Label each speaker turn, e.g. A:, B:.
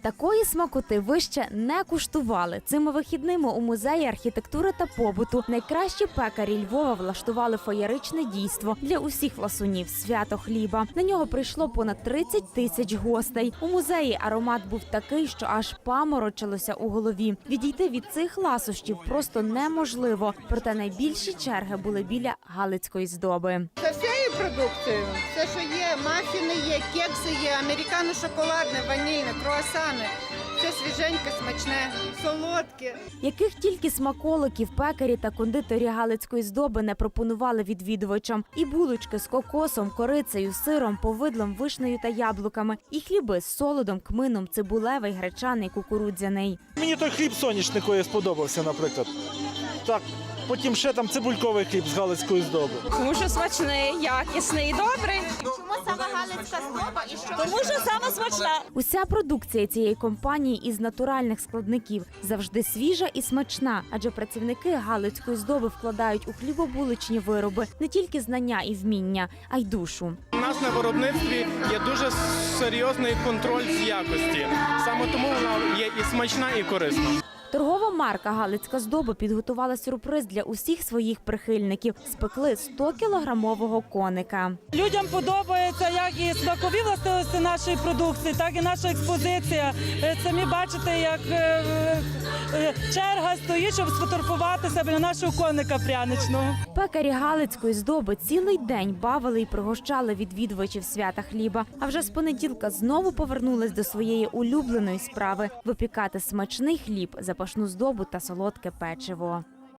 A: Такої смакоти ви ще не куштували. Цими вихідними у музеї архітектури та побуту найкращі пекарі Львова влаштували феєричне дійство для усіх ласунів – свято хліба. На нього прийшло понад 30 тисяч гостей. У музеї аромат був такий, що аж паморочилося у голові. Відійти від цих ласощів просто неможливо. Проте найбільші черги були біля галицької здоби.
B: Це всією продукцією. Все, що є, мафіни є, кекси є, американо-шоколадне, ванільне, круасани. Все свіженьке, смачне, солодке.
A: Яких тільки смаколиків пекарі та кондиторі галицької здоби не пропонували відвідувачам. І булочки з кокосом, корицею, сиром, повидлом, вишнею та яблуками. І хліби з солодом, кмином, цибулевий, гречаний, кукурудзяний.
C: Мені той хліб соняшниковий сподобався, наприклад. Так, потім ще там цибульковий хліб з галицької здоби.
D: Тому що смачний, якісний і добрий.
E: Чому саме галицька здоба і що?
D: Тому що саме смачна.
A: Уся продукція цієї компанії із натуральних складників завжди свіжа і смачна, адже працівники галицької здоби вкладають у хлібобуличні вироби не тільки знання і вміння, а й душу.
F: У нас на виробництві є дуже серйозний контроль з якості. Саме тому вона є і смачна, і корисна.
A: Торгова марка «Галицька здоба» підготувала сюрприз для усіх своїх прихильників. Спекли 100-кілограмового коника.
G: Людям подобається як і смакові властивості нашої продукції, так і наша експозиція. Самі бачите, як черга стоїть, щоб сфотографувати біля нашого коника пряничного.
A: Пекарі галицької здоби цілий день бавили і пригощали відвідувачів свята хліба. А вже з понеділка знову повернулись до своєї улюбленої справи – випікати смачний хліб, запашну здобу та солодке печиво.